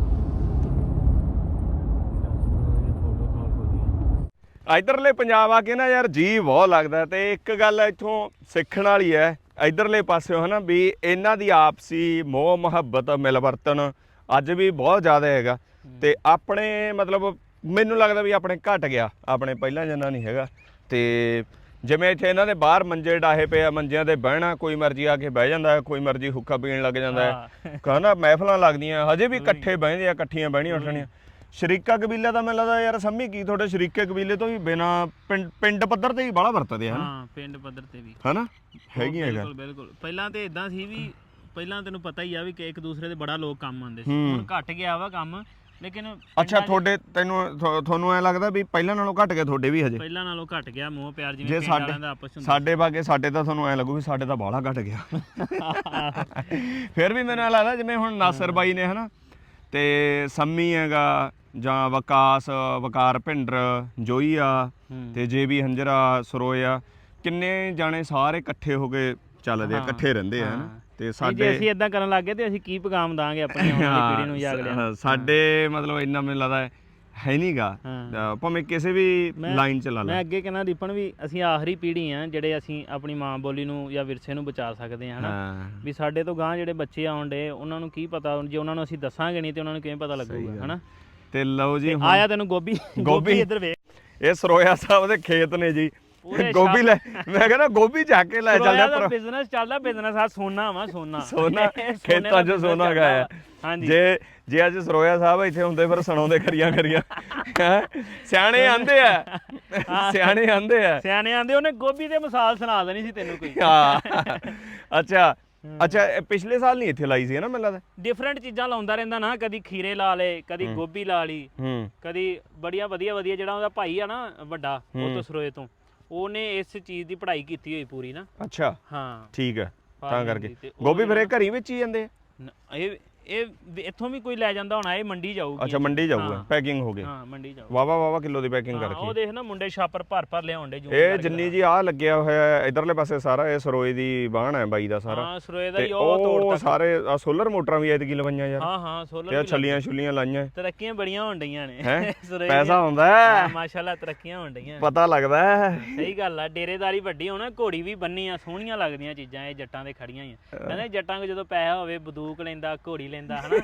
ਇਧਰਲੇ ਪੰਜਾਬ ਆ ਕੇ ਨਾ ਯਾਰ ਜੀ ਬਹੁਤ ਲੱਗਦਾ। ਤੇ ਇੱਕ ਗੱਲ ਇੱਥੋਂ ਸਿੱਖਣ ਵਾਲੀ ਹੈ ਇਧਰਲੇ ਪਾਸਿਓ, ਹਨਾ ਵੀ ਇਹਨਾਂ ਦੀ ਆਪਸੀ ਮੋਹ ਮੁਹੱਬਤ ਮਿਲਵਰਤਨ ਅੱਜ ਵੀ ਬਹੁਤ ਜ਼ਿਆਦਾ ਹੈਗਾ। ਤੇ ਆਪਣੇ ਮਤਲਬ ਮੈਨੂੰ ਲੱਗਦਾ ਵੀ ਆਪਣੇ ਘਟ ਗਿਆ, ਆਪਣੇ ਪਹਿਲਾਂ ਜਿੰਨਾ ਨਹੀਂ ਹੈਗਾ। ਤੇ ਜਿਵੇਂ ਇੱਥੇ ਇਹਨਾਂ ਦੇ ਬਾਹਰ ਮੰਜੇ ਡਾਹੇ ਪਏ ਆ, ਮੰਜਿਆਂ ਤੇ ਬਹਿਣਾ, ਕੋਈ ਮਰਜ਼ੀ ਆ ਕੇ ਬਹਿ ਜਾਂਦਾ, ਕੋਈ ਮਰਜ਼ੀ ਹੁੱਕਾ ਪੀਣ ਲੱਗ ਜਾਂਦਾ ਹੈ। ਕਹਿੰਦਾ ਮਹਿਫਲਾਂ ਲੱਗਦੀਆਂ ਹਜੇ ਵੀ, ਇਕੱਠੇ ਬਹਿੰਦੇ ਆ, ਇਕੱਠੀਆਂ ਬਹਿਣੀਆਂ ਉੱਠਣੀਆਂ। ਸ਼ਰੀਕਾ ਕਬੀਲੇ ਦਾ ਮੈਨੂੰ ਲੱਗਦਾ ਯਾਰ ਸੰਮੀ ਕੀ ਤੁਹਾਡੇ ਸ਼ਰੀਕੇ ਕਬੀਲੇ ਤੋਂ ਵੀ ਬਿਨਾ ਪਿੰਡ ਪੱਧਰ ਤੇ ਹੀ ਬਾਹਲਾ ਵਰਤਦੇ ਹਨ।
ਹਾਂ ਪਿੰਡ ਪੱਧਰ ਤੇ ਵੀ
ਹਨਾ ਹੈਗੀਆਂ
ਬਿਲਕੁਲ ਬਿਲਕੁਲ। ਪਹਿਲਾਂ ਤੇ ਇਦਾਂ ਸੀ ਵੀ ਪਹਿਲਾਂ ਤੈਨੂੰ ਪਤਾ ਹੀ ਆ ਵੀ ਕਿ ਇੱਕ ਦੂਸਰੇ ਦੇ ਬੜਾ ਲੋਕ ਕੰਮ ਆਉਂਦੇ ਸੀ। ਹੁਣ ਘਟ ਗਿਆ ਵਾ ਕੰਮ, ਲੇਕਿਨ
ਅੱਛਾ ਤੁਹਾਡੇ ਤੁਹਾਨੂੰ ਐ ਲੱਗਦਾ ਵੀ ਪਹਿਲਾਂ ਨਾਲੋਂ ਘਟ ਗਿਆ ਤੁਹਾਡੇ ਵੀ ਹਜੇ?
ਪਹਿਲਾਂ ਨਾਲੋਂ ਘਟ ਗਿਆ ਮੋਹ ਪਿਆਰ,
ਜੇ
ਜਿਵੇਂ ਪਿੰਡ ਵਾਲਿਆਂ ਦਾ ਆਪਸ ਹੁੰਦਾ।
ਸਾਡੇ ਬਾਗੇ ਸਾਡੇ ਤਾਂ ਤੁਹਾਨੂੰ ਐ ਲੱਗੂ ਵੀ ਸਾਡੇ ਤਾਂ ਬਾਹਲਾ ਘਟ ਗਿਆ। ਫਿਰ ਵੀ ਮੈਨੂੰ ਐ ਲੱਗਦਾ ਜਿਵੇਂ ਹੁਣ ਨਾਸਰ ਬਾਈ ਨੇ ਹਨਾ, ਤੇ ਸੰਮੀ ਹੈਗਾ, ਜਾਂ ਵਕਾਰ ਭਿੰਡਰ, ਜੋਈਆ ਤੇ JB ਹੰਜਰਾ, ਸਰੋਇਆ, ਕਿੰਨੇ ਜਾਣੇ ਸਾਰੇ ਇਕੱਠੇ ਹੋ ਕੇ ਚੱਲਦੇ ਆ, ਇਕੱਠੇ ਰਹਿੰਦੇ ਆ ਹਨਾ। ਤੇ ਸਾਡੇ
ਜੇ ਅਸੀਂ ਇਦਾਂ ਕਰਨ ਲੱਗ ਗਏ ਤੇ ਅਸੀਂ ਕੀ ਪੈਗਾਮ ਦਾਂਗੇ ਆਪਣੀ ਆਉਣ ਵਾਲੀ ਪੀੜ੍ਹੀ ਨੂੰ ਜਾਂ ਅਗਲਿਆਂ?
ਸਾਡੇ ਮਤਲਬ ਇੰਨਾ ਮੈਨੂੰ ਲੱਗਦਾ ਹੈ ਨਹੀਂਗਾ, ਭਾਵੇਂ ਕਿਸੇ ਵੀ ਲਾਈਨ ਚ ਲਾ ਲਾ।
ਮੈਂ ਅੱਗੇ ਕਹਿੰਦਾ ਦੀਪਨ ਵੀ ਅਸੀਂ ਆਖਰੀ ਪੀੜ੍ਹੀ ਆ ਜਿਹੜੇ ਅਸੀਂ ਆਪਣੀ ਮਾਂ ਬੋਲੀ ਨੂੰ ਜਾਂ ਵਿਰਸੇ ਨੂੰ ਬਚਾ ਸਕਦੇ ਹਾਂ ਹਨਾ। ਵੀ ਸਾਡੇ ਤੋਂ ਗਾਂ ਜਿਹੜੇ ਬੱਚੇ ਆਉਣ ਡੇ ਉਹਨਾਂ ਨੂੰ ਕੀ ਪਤਾ, ਜੇ ਉਹਨਾਂ ਨੂੰ ਅਸੀਂ ਦੱਸਾਂਗੇ ਨਹੀਂ ਤੇ ਉਹਨਾਂ ਨੂੰ ਕਿਵੇਂ ਪਤਾ ਲੱਗੂਗਾ ਹਨਾ।
ਤੇ ਲਓ ਜੀ
ਆਇਆ ਤੈਨੂੰ ਗੋਭੀ ਇੱਧਰ ਵੇਖ,
ਇਹ ਸਰੋਇਆ ਸਾਹਿਬ ਦੇ ਖੇਤ ਨੇ ਜੀ। ਗੋਭੀ ਲੈ, ਮੈਂ ਕਹਿੰਦਾ ਗੋਭੀ ਚੱਕ ਕੇ ਲੈ ਚੱਲਦਾ।
ਪਰ ਬਿਜ਼ਨਸ ਚੱਲਦਾ, ਬਿਜ਼ਨਸ ਆ ਸੋਨਾ ਵਾ, ਸੋਨਾ
ਖੇਤਾਂ 'ਚ ਸੋਨਾ ਗਾਇਆ।
ਹਾਂਜੀ
ਜੇ ਅੱਜ ਸਰੋਇਆ ਸਾਹਿਬ ਇੱਥੇ ਹੁੰਦੇ ਫਿਰ ਸੁਣਾਉਂਦੇ ਖਰੀਆਂ ਸਿਆਣੇ ਆਂਦੇ ਆ, ਸਿਆਣੇ ਆਂਦੇ ਉਹਨੇ ਗੋਭੀ ਦੇ ਮਿਸਾਲ ਸੁਣਾ ਦੇਣੀ ਸੀ ਤੈਨੂੰ ਕੋਈ। ਅੱਛਾ ਪਿਛਲੇ ਸਾਲ ਨਹੀਂ ਇੱਥੇ ਲਾਈ ਸੀ ਨਾ ਮੈਨੂੰ ਲੱਗਦਾ।
ਡਿਫਰੈਂਟ ਚੀਜ਼ਾਂ ਲਾਉਂਦਾ ਰਹਿੰਦਾ ਨਾ, ਕਦੀ ਖੀਰੇ ਲਾ ਲਏ, ਕਦੀ ਗੋਭੀ ਲਾ ਲਈ, ਕਦੀ ਬੜੀਆਂ ਵਧੀਆ ਜਿਹੜਾ ਉਹਦਾ ਭਾਈ ਆ ਨਾ ਵੱਡਾ, ਉਹ ਤੋਂ ਸਰੋਏ ਤੋਂ, ਉਹਨੇ ਇਸ ਚੀਜ਼ ਦੀ ਪੜ੍ਹਾਈ ਕੀਤੀ ਹੋਈ ਪੂਰੀ ਨਾ।
ਅੱਛਾ
ਹਾਂ
ਠੀਕ ਹੈ, ਤਾਂ ਕਰਕੇ ਗੋਭੀ ਫਿਰ ਇਹ ਘਰੀ ਵਿੱਚ ਹੀ ਜਾਂਦੇ ਆ।
ਇਹ ਇੱਥੋਂ ਵੀ ਕੋਈ ਲੈ ਜਾਂਦਾ ਹੋਣਾ, ਇਹ ਮੰਡੀ ਜਾਊਗੀ।
ਅੱਛਾ ਮੰਡੀ ਜਾਊਗਾ, ਪੈਕਿੰਗ ਹੋ ਗਈ।
ਹਾਂ ਮੰਡੀ ਜਾਊ।
ਵਾਵਾ ਕਿਲੋ ਦੀ ਪੈਕਿੰਗ ਕਰਕੇ।
ਉਹ ਦੇਖ ਨਾ ਮੁੰਡੇ ਛਾਪਰ ਭਰ ਲਿਆਉਂਦੇ।
ਇਹ ਜਿੰਨੀ ਜੀ ਆ ਲੱਗਿਆ ਹੋਇਆ ਇਧਰਲੇ ਪਾਸੇ ਸਾਰਾ ਇਹ ਸਰੋਏ ਦੀ ਬਾਣ ਹੈ ਬਾਈ ਦਾ ਸਾਰਾ।
ਹਾਂ ਸਰੋਏ ਦਾ ਹੀ ਉਹ ਤੋੜ ਤੱਕ
ਸਾਰੇ ਆ ਸੋਲਰ ਮੋਟਰਾਂ ਵੀ ਐਤਕੀ ਲਵਾਈਆਂ ਯਾਰ।
ਹਾਂ ਸੋਲਰ
ਤੇ ਛੱਲੀਆਂ ਲਾਈਆਂ।
ਤਰੱਕੀਆਂ ਬੜੀਆਂ ਹੋਣ ਡਈਆਂ ਨੇ
ਪੈਸਾ ਹੁੰਦਾ ਹੈ
ਮਾਸ਼ਾਅੱਲਾ, ਤਰੱਕੀਆਂ ਹੋਣ ਡਈਆਂ,
ਪਤਾ ਲੱਗਦਾ ਹੈ।
ਸਹੀ ਗੱਲ ਆ। ਡੇਰੇਦਾਰੀ ਵੱਡੀ ਹੋਣਾ, ਘੋੜੀ ਵੀ ਬੰਨੀ ਆ, ਸੋਹਣੀਆਂ ਲੱਗਦੀਆਂ ਚੀਜ਼ਾਂ ਇਹ ਜੱਟਾਂ ਦੇ ਖੜੀਆਂ ਹੀ ਆ। ਕਹਿੰਦੇ ਜੱਟਾਂ ਕੋਲ ਜਦੋਂ ਪੈਸਾ ਹੋਵੇ ਬੰਦੂਕ ਲੈਂਦਾ, ਘੋੜੀ ਲੈਂਦਾ ਹਨਾ।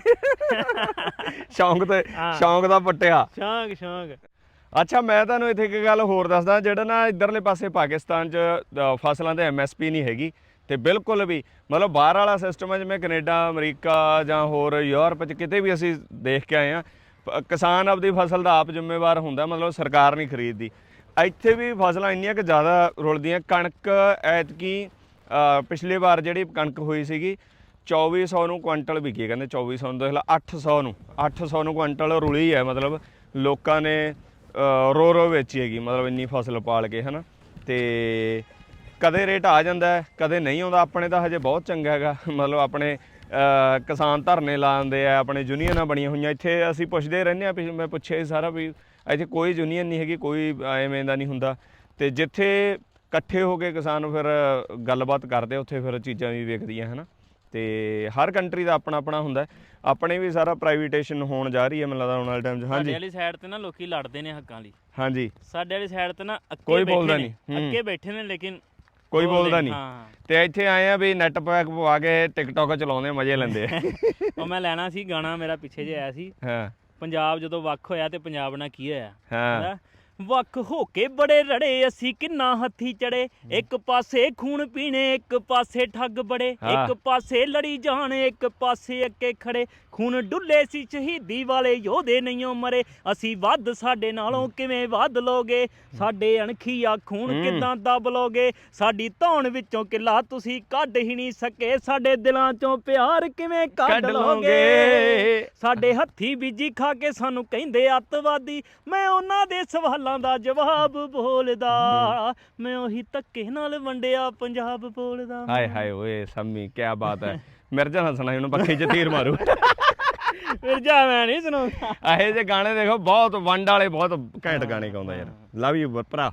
ਸ਼ੌਂਕ ਦਾ ਪੱਟਿਆ
ਸ਼ੌਂਕ।
ਅੱਛਾ ਮੈਂ ਤੁਹਾਨੂੰ ਇੱਥੇ ਇੱਕ ਗੱਲ ਹੋਰ ਦੱਸਦਾ, ਜਿਹੜਾ ਨਾ ਇਧਰਲੇ ਪਾਸੇ ਪਾਕਿਸਤਾਨ 'ਚ ਫਸਲਾਂ ਤੇ MSP ਨਹੀਂ ਹੈਗੀ, ਤੇ ਬਿਲਕੁਲ ਵੀ ਮਤਲਬ ਬਾਹਰ ਵਾਲਾ ਸਿਸਟਮ ਹੈ ਜਿਵੇਂ ਕੈਨੇਡਾ, ਅਮਰੀਕਾ ਜਾਂ ਹੋਰ ਯੂਰਪ 'ਚ ਕਿਤੇ ਵੀ ਅਸੀਂ ਦੇਖ ਕੇ ਆਏ ਹਾਂ, ਕਿਸਾਨ ਆਪਦੀ ਫਸਲ ਦਾ ਆਪ ਜ਼ਿੰਮੇਵਾਰ ਹੁੰਦਾ, ਮਤਲਬ ਸਰਕਾਰ ਨਹੀਂ ਖਰੀਦਦੀ। ਇੱਥੇ ਵੀ ਫਸਲਾਂ ਇੰਨੀਆਂ ਕਿ ਜ਼ਿਆਦਾ ਰੁਲਦੀਆਂ। ਕਣਕ ਐਤਕੀ ਪਿਛਲੀ ਵਾਰ ਜਿਹੜੀ ਕਣਕ ਹੋਈ ਸੀਗੀ 2400 ਨੂੰ ਕੁਆਂਟਲ ਵਿਕੀ, ਕਹਿੰਦੇ 2400 ਨੂੰ, ਦੇਖ ਲਾ 800 ਨੂੰ ਕੁਆਂਟਲ ਰੁਲੀ ਹੈ। ਮਤਲਬ ਲੋਕਾਂ ਨੇ ਰੋ ਵੇਚੀ ਹੈਗੀ, ਮਤਲਬ ਇੰਨੀ ਫਸਲ ਪਾਲ ਕੇ ਹਨਾ। ਤੇ ਕਦੇ ਰੇਟ ਆ ਜਾਂਦਾ ਕਦੇ ਨਹੀਂ ਆਉਂਦਾ। ਆਪਣੇ ਤਾਂ ਹਜੇ ਬਹੁਤ ਚੰਗਾ ਹੈਗਾ, ਮਤਲਬ ਆਪਣੇ ਕਿਸਾਨ ਧਰਨੇ ਲਾਉਂਦੇ ਆ, ਆਪਣੇ ਯੂਨੀਅਨਾਂ ਬਣੀਆਂ ਹੋਈਆਂ ਇੱਥੇ। ਅਸੀਂ ਪੁੱਛਦੇ ਰਹਿੰਦੇ ਆ, ਮੈਂ ਪੁੱਛਿਆ ਸੀ ਸਾਰਾ ਵੀ ਇੱਥੇ ਕੋਈ ਯੂਨੀਅਨ ਨਹੀਂ ਹੈਗੀ, ਕੋਈ ਐਵੇਂ ਦਾ ਨਹੀਂ ਹੁੰਦਾ। ਤੇ ਜਿੱਥੇ ਇਕੱਠੇ ਹੋ ਕੇ ਕਿਸਾਨ ਫਿਰ ਗੱਲਬਾਤ ਕਰਦੇ ਉੱਥੇ ਫਿਰ ਚੀਜ਼ਾਂ ਵੀ ਵੇਖਦੀਆਂ ਹੈ ਨਾ। ਤੇ ਹਰ ਕੰਟਰੀ ਦਾ ਆਪਣਾ ਆਪਣਾ ਹੁੰਦਾ। ਆਪਣੇ ਵੀ ਸਾਰਾ ਪ੍ਰਾਈਵੇਟੇਸ਼ਨ ਹੋਣ ਜਾ ਰਹੀ ਹੈ ਮੈਨੂੰ ਲੱਗਦਾ ਆਉਣ ਵਾਲੇ ਟਾਈਮ 'ਚ।
ਸਾਡੇ
ਹਾਂਜੀ
ਵਾਲੀ ਸਾਈਡ ਤੇ ਨਾ ਲੋਕੀ ਲੜਦੇ ਨੇ ਹੱਕਾਂ ਲਈ।
ਹਾਂਜੀ
ਸਾਡੇ ਵਾਲੀ ਸਾਈਡ ਤੇ ਨਾ
ਕੋਈ ਬੋਲਦਾ ਨਹੀਂ।
ਅੱਗੇ ਬੈਠੇ ਨੇ ਲੇਕਿਨ
ਕੋਈ ਬੋਲਦਾ ਨਹੀਂ।
ਹਾਂ
ਤੇ ਇੱਥੇ ਆਏ ਆ ਵੀ ਨੈਟ ਪੈਕ ਪਵਾ ਕੇ ਟਿਕਟੌਕ ਚਲਾਉਂਦੇ ਮਜ਼ੇ ਲੈਂਦੇ ਆ।
ਉਹ ਮੈਂ ਲੈਣਾ ਸੀ ਗਾਣਾ, ਮੇਰਾ ਪਿੱਛੇ ਜੇ ਆਇਆ ਸੀ,
ਹਾਂ
ਪੰਜਾਬ ਜਦੋਂ ਵੱਖ ਹੋਇਆ ਤੇ ਪੰਜਾਬ ਨਾਲ ਕੀ ਹੋਇਆ।
ਹਾਂ
ਵੱਖ ਹੋ ਕੇ ਬੜੇ ਰੜੇ ਅਸੀਂ ਕਿੰਨਾ ਹੱਥੀ ਚੜੇ, ਇੱਕ ਪਾਸੇ ਖੂਨ ਪੀਣੇ ਇੱਕ ਪਾਸੇ ਠੱਗ ਬੜੇ, ਇੱਕ ਪਾਸੇ ਲੜੀ ਜਾਣ ਇੱਕ ਪਾਸੇ ਅੱਕੇ ਖੜੇ, ਖੂਨ ਡੁੱਲੇ ਸੀ ਸ਼ਹੀਦੀ ਵਾਲੇ ਯੋਧੇ ਨਹੀਂ ਮਰੇ, ਅਸੀਂ ਵੱਧ ਸਾਡੇ ਨਾਲੋਂ ਕਿਵੇਂ ਵੱਧ ਲੋਗੇ, ਸਾਡੇ ਅਣਖੀਆ ਖੂਨ ਕਿੱਦਾਂ ਦੱਬ ਲੋਗੇ, ਸਾਡੀ ਧੌਣ ਵਿੱਚੋਂ ਕਿੱਲਾ ਤੁਸੀਂ ਕੱਢ ਹੀ ਨਹੀਂ ਸਕੇ, ਸਾਡੇ ਦਿਲਾਂ ਚੋਂ ਪਿਆਰ ਕਿਵੇਂ ਕੱਢ ਲੋਗੇ, ਸਾਡੇ ਹੱਥੀ ਬੀਜੀ ਖਾ ਕੇ ਸਾਨੂੰ ਕਹਿੰਦੇ ਅੱਤਵਾਦੀ, ਮੈਂ ਉਹਨਾਂ ਦੇ ਸਵਾਲਾਂ ਦਾ ਜਵਾਬ ਬੋਲਦਾ, ਮੈਂ ਉਹੀ ਧੱਕੇ ਨਾਲ ਵੰਡਿਆ ਪੰਜਾਬ ਬੋਲਦਾ।
ਹਾਏ ਹਾਏ ਓਏ ਸੰਮੀ ਕੀ ਬਾਤ ਹੈ। ਮਿਰਜ਼ਾ ਹੱਸਣਾ ਉਹਨੂੰ ਪੱਖੇ 'ਚ ਤੀਰ ਮਾਰੂ।
ਮਿਰਜ਼ਾ ਮੈਂ ਨਹੀਂ ਸੁਣਾਉਂਦਾ।
ਇਹੋ ਜਿਹੇ ਗਾਣੇ ਦੇਖੋ ਬਹੁਤ ਵੰਡ ਵਾਲੇ ਬਹੁਤ ਘੈਂਟ ਗਾਣੇ ਗਾਉਂਦਾ ਯਾਰ। ਲਵ ਯੂ ਭਰਾ।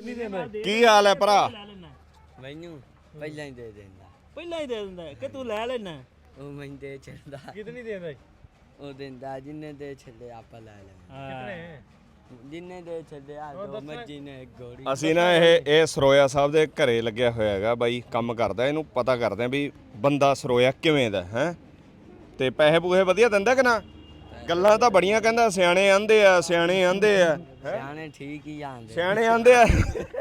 ਕੀ ਹਾਲ ਹੈ ਭਰਾ?
ਮੈਨੂੰ ਪਹਿਲਾਂ ਹੀ ਦੇ ਦਿੰਦਾ।
ਪਹਿਲਾਂ ਹੀ ਦੇ ਦਿੰਦਾ ਕਿ ਤੂੰ ਲੈ ਲੈਣਾ।
ਉਹ ਮੈਨੂੰ ਦੇ ਛੱਡਦਾ।
ਕਿਤਨੀ ਦੇ ਦੇ?
ਉਹ ਦਿੰਦਾ ਜਿੰਨੇ ਦੇ ਛੱਡੇ ਆਪਾਂ ਲੈ ਲੈਂਦੇ। ਜਿੰਨੇ ਦੇ ਛੱਡੇ ਆ ਦੋ ਮਰਜੀ ਨੇ ਗੋੜੀ।
ਅਸੀਂ ਨਾ ਇਹ ਸਰੋਇਆ ਸਾਹਿਬ ਦੇ ਘਰੇ ਲੱਗਿਆ ਹੋਇਆ ਹੈਗਾ ਬਾਈ, ਕੰਮ ਕਰਦਾ। ਇਹਨੂੰ ਪਤਾ ਕਰਦੇ ਆ ਵੀ ਬੰਦਾ ਸਰੋਇਆ ਕਿਵੇਂ ਦਾ ਹੈ, ਤੇ ਪੈਸੇ ਪੂਹੇ ਵਧੀਆ ਦਿੰਦਾ ਕਿ ਨਾ। ਗੱਲਾਂ ਤਾਂ ਬੜੀਆਂ ਕਹਿੰਦਾ, ਸਿਆਣੇ ਆਂਦੇ ਆ, ਸਿਆਣੇ ਆਂਦੇ ਆ।
ਸਿਆਣੇ ਠੀਕ ਹੀ ਆਂਦੇ।
ਸਿਆਣੇ ਆਂਦੇ ਆ।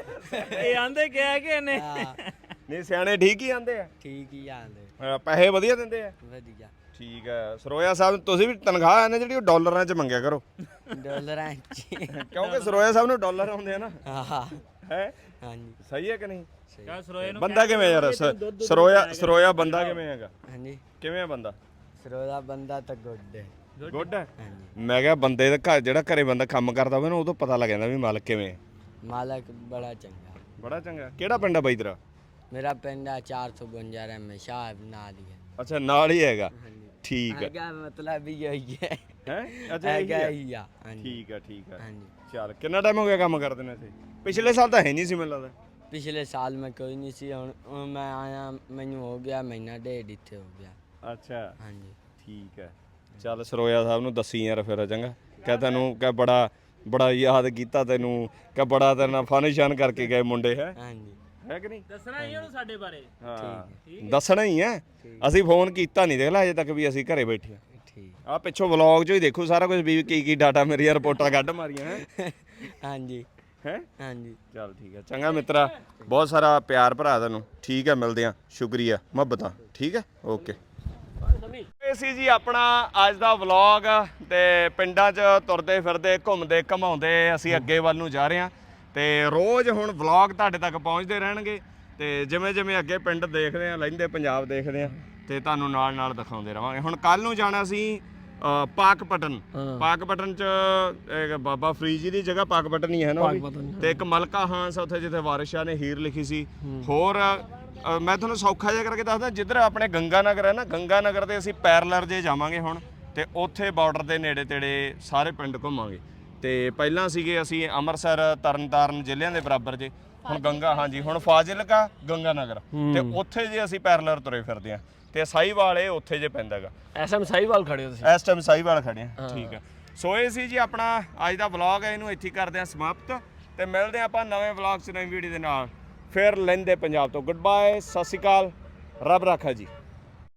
ਇਹ ਆਂਦੇ ਕਹਿ ਕੇ ਨੇ।
ਨਹੀਂ ਸਿਆਣੇ ਠੀਕ ਹੀ ਆਂਦੇ ਆ।
ਠੀਕ ਹੀ ਆਂਦੇ।
ਪੈਸੇ ਵਧੀਆ ਦਿੰਦੇ ਆ।
ਵਧੀਆ।
ਠੀਕ ਹੈ ਸਰੋਇਆ ਸਾਹਿਬ, ਤੁਸੀਂ ਵੀ ਤਨਖਾਹ ਹੈ ਨਾ ਜਿਹੜੀ ਉਹ ਡਾਲਰਾਂ 'ਚ ਮੰਗਿਆ ਕਰੋ।
ਡਾਲਰਾਂ 'ਚ।
ਕਿਉਂਕਿ ਸਰੋਇਆ ਸਾਹਿਬ ਨੂੰ ਡਾਲਰ ਆਉਂਦੇ ਆ ਨਾ।
ਹਾਂ
ਹੈ
ਹਾਂਜੀ
ਸਹੀ ਹੈ ਕਿ ਨਹੀਂ?
ਸਰੋਏ ਨੂੰ
ਬੰਦਾ ਕਿਵੇਂ ਯਾਰ ਸਰੋਇਆ ਬੰਦਾ ਕਿਵੇਂ ਹੈਗਾ?
ਹਾਂਜੀ
ਕਿਵੇਂ ਆ ਬੰਦਾ?
ਸਰੋਦਾ ਬੰਦਾ ਤਾਂ ਗੁੱਡ ਹੈ।
ਗੁੱਡ ਹੈ।
ਹਾਂਜੀ
ਮੈਂ ਕਿਹਾ ਬੰਦੇ ਦਾ ਘਰ ਜਿਹੜਾ ਘਰੇ ਬੰਦਾ ਕੰਮ ਕਰਦਾ ਹੋਵੇ ਨਾ ਉਦੋਂ ਪਤਾ ਲੱਗ ਜਾਂਦਾ ਵੀ ਮਾਲਕ ਕਿਵੇਂ ਹੈ।
ਮਾਲਕ ਬੜਾ ਚੰਗਾ।
ਬੜਾ ਚੰਗਾ। ਕਿਹੜਾ ਪਿੰਡ ਆ ਬਾਈ ਤੇਰਾ?
ਮੇਰਾ ਪਿੰਡ ਆ 452 ਰਹਿਮੇ ਸ਼ਾਹ ਨਾਲ ਹੀ ਹੈ।
ਅੱਛਾ ਨਾਲ ਹੀ ਹੈਗਾ।
ਹਾਂਜੀ
ਠੀਕ ਹੈ।
ਹੈਗਾ ਮਤਲਬ ਵੀ ਇਹੀ ਹੈ।
ਹੈ ਅੱਛਾ
ਹੈਗਾ ਹੀ ਆ। ਹਾਂਜੀ
ਠੀਕ ਹੈ ਠੀਕ ਹੈ।
ਹਾਂਜੀ
ਚੱਲ ਕਿੰਨਾ ਟਾਈਮ ਹੋ ਗਿਆ ਕੰਮ ਕਰਦੇ ਨੇ ਇੱਥੇ? ਪਿਛਲੇ ਸਾਲ ਤਾਂ ਹੈ ਨਹੀਂ ਸੀ ਮੈਨੂੰ ਲੱਗਦਾ।
ਪਿਛਲੇ ਸਾਲ ਮੈਂ ਕੋਈ ਨਹੀਂ ਸੀ, ਹੁਣ ਮੈਂ ਆਇਆ, ਮੈਨੂੰ ਹੋ ਗਿਆ ਮਹੀਨਾ ਡੇਢ ਇੱਥੇ ਹੋ ਗਿਆ।
ਅੱਛਾ
ਹਾਂਜੀ
ਠੀਕ ਹੈ। ਚੱਲ ਸਰੋਇਆ ਸਾਹਿਬ ਨੂੰ ਦੱਸੀ ਯਾਰ ਫਿਰ ਚੰਗਾ। ਕਹਿ ਤੈਨੂੰ ਕਹਿ ਬੜਾ ਯਾਦ ਕੀਤਾ ਤੈਨੂੰ, ਕਹਿ ਬੜਾ ਤੇਰੇ ਨਾਲ ਫਨ ਕਰਕੇ ਗਏ ਮੁੰਡੇ।
ਹਾਂਜੀ
ਹੈ ਕਿ ਨਹੀਂ?
ਦੱਸਣਾ ਹੀ ਉਹਨੂੰ ਸਾਡੇ ਬਾਰੇ।
ਹਾਂ ਦੱਸਣਾ ਹੀ ਹੈ। ਅਸੀਂ ਫੋਨ ਕੀਤਾ ਨਹੀਂ ਦੇਖ ਲੈ ਅਜੇ ਤੱਕ ਵੀ ਅਸੀਂ ਘਰੇ ਬੈਠੇ ਆ।
ਠੀਕ।
ਆ ਪਿੱਛੋਂ ਵਲੌਗ 'ਚੋਂ ਹੀ ਦੇਖੋ ਸਾਰਾ ਕੁਝ ਵੀ ਕੀ ਡਾਟਾ ਮੇਰੀਆਂ ਰਿਪੋਰਟਾਂ ਕੱਢ ਮਾਰੀਆਂ ਹੈ।
ਹਾਂਜੀ
ਹੈ
ਹਾਂਜੀ
ਚੱਲ ਠੀਕ ਹੈ ਚੰਗਾ ਮਿੱਤਰਾ, ਬਹੁਤ ਸਾਰਾ ਪਿਆਰ ਭਰਾ ਤੈਨੂੰ। ਠੀਕ ਹੈ ਮਿਲਦੇ ਆ, ਸ਼ੁਕਰੀਆ ਮੁਹੱਬਤਾਂ। ਠੀਕ ਹੈ ਓਕੇ। ਇਹ ਸੀ ਜੀ ਆਪਣਾ ਅੱਜ ਦਾ ਵਲੌਗ, ਤੇ ਪਿੰਡਾਂ 'ਚ ਤੁਰਦੇ ਫਿਰਦੇ ਘੁੰਮਦੇ ਘਮਾਉਂਦੇ ਅਸੀਂ ਅੱਗੇ ਵੱਲ ਨੂੰ ਜਾ ਰਹੇ ਹਾਂ, ਤੇ ਰੋਜ਼ ਹੁਣ ਵਲੌਗ ਤੁਹਾਡੇ ਤੱਕ ਪਹੁੰਚਦੇ ਰਹਿਣਗੇ। ਤੇ ਜਿਵੇਂ ਜਿਵੇਂ ਅੱਗੇ ਪਿੰਡ ਦੇਖਦੇ ਆ, ਲਹਿੰਦੇ ਪੰਜਾਬ ਦੇਖਦੇ ਆ, ਤੇ ਤੁਹਾਨੂੰ ਨਾਲ ਨਾਲ ਦਿਖਾਉਂਦੇ ਰਵਾਂਗੇ। ਹੁਣ ਕੱਲ ਨੂੰ ਜਾਣਾ ਸੀ ਪਾਕਪਟਨ 'ਚ ਇੱਕ ਬਾਬਾ ਫਰੀਦ ਜੀ ਦੀ ਜਗ੍ਹਾ ਪਾਕਪਟਨ ਹੀ ਹੈ ਨਾ, ਤੇ ਇੱਕ ਮਲਕਾ ਹਾਂਸ ਉੱਥੇ ਜਿੱਥੇ ਵਾਰਿਸ ਸ਼ਾਹ ਨੇ ਹੀਰ ਲਿਖੀ ਸੀ। ਹੋਰ ਮੈਂ ਤੁਹਾਨੂੰ ਸੌਖਾ ਜਿਹਾ ਕਰਕੇ ਦੱਸਦਾ, ਜਿੱਧਰ ਆਪਣੇ ਗੰਗਾ ਨਗਰ ਹੈ ਨਾ, ਗੰਗਾ ਨਗਰ ਦੇ ਅਸੀਂ ਪੈਰਲਰ ਜੇ ਜਾਵਾਂਗੇ ਹੁਣ, ਤੇ ਉੱਥੇ ਬਾਰਡਰ ਦੇ ਨੇੜੇ ਤੇੜੇ ਸਾਰੇ ਪਿੰਡ ਘੁੰਮਾਂਗੇ। ਤੇ ਪਹਿਲਾਂ ਸੀਗੇ ਅਸੀਂ ਅੰਮ੍ਰਿਤਸਰ ਤਰਨਤਾਰਨ ਜ਼ਿਲ੍ਹਿਆਂ ਦੇ ਬਰਾਬਰ ਜੇ, ਹੁਣ ਗੰਗਾ ਹਾਂਜੀ ਹੁਣ ਫਾਜ਼ਿਲਕਾ ਗੰਗਾ ਨਗਰ, ਤੇ ਉੱਥੇ ਜੇ ਅਸੀਂ ਪੈਰਲਰ ਤੁਰੇ ਫਿਰਦੇ ਆ। ਤੇ ਸਾਹੀਵਾਲ ਇਹ ਉੱਥੇ ਜੇ ਪੈਂਦਾ ਹੈਗਾ।
ਐਸਐਮ ਸਾਹੀਵਾਲ ਖੜੇ ਹੋ ਤੁਸੀਂ?
ਇਸ ਟਾਈਮ ਸਾਹੀਵਾਲ ਖੜੇ ਆ। ਠੀਕ ਹੈ। ਸੋ ਇਹ ਸੀ ਜੀ ਆਪਣਾ ਅੱਜ ਦਾ ਵਲੌਗ ਹੈ, ਇਹਨੂੰ ਇੱਥੇ ਕਰਦੇ ਆ ਸਮਾਪਤ, ਤੇ ਮਿਲਦੇ ਆ ਆਪਾਂ ਨਵੇਂ ਵਲੌਗ 'ਚ ਨਵੀਂ ਵੀਡੀਓ ਦੇ ਨਾਲ। ਫਿਰ ਲਹਿੰਦੇ ਪੰਜਾਬ ਤੋਂ ਗੁੱਡ ਬਾਏ, ਸਤਿ ਸ਼੍ਰੀ ਅਕਾਲ, ਰੱਬ ਰਾਖਾ ਜੀ।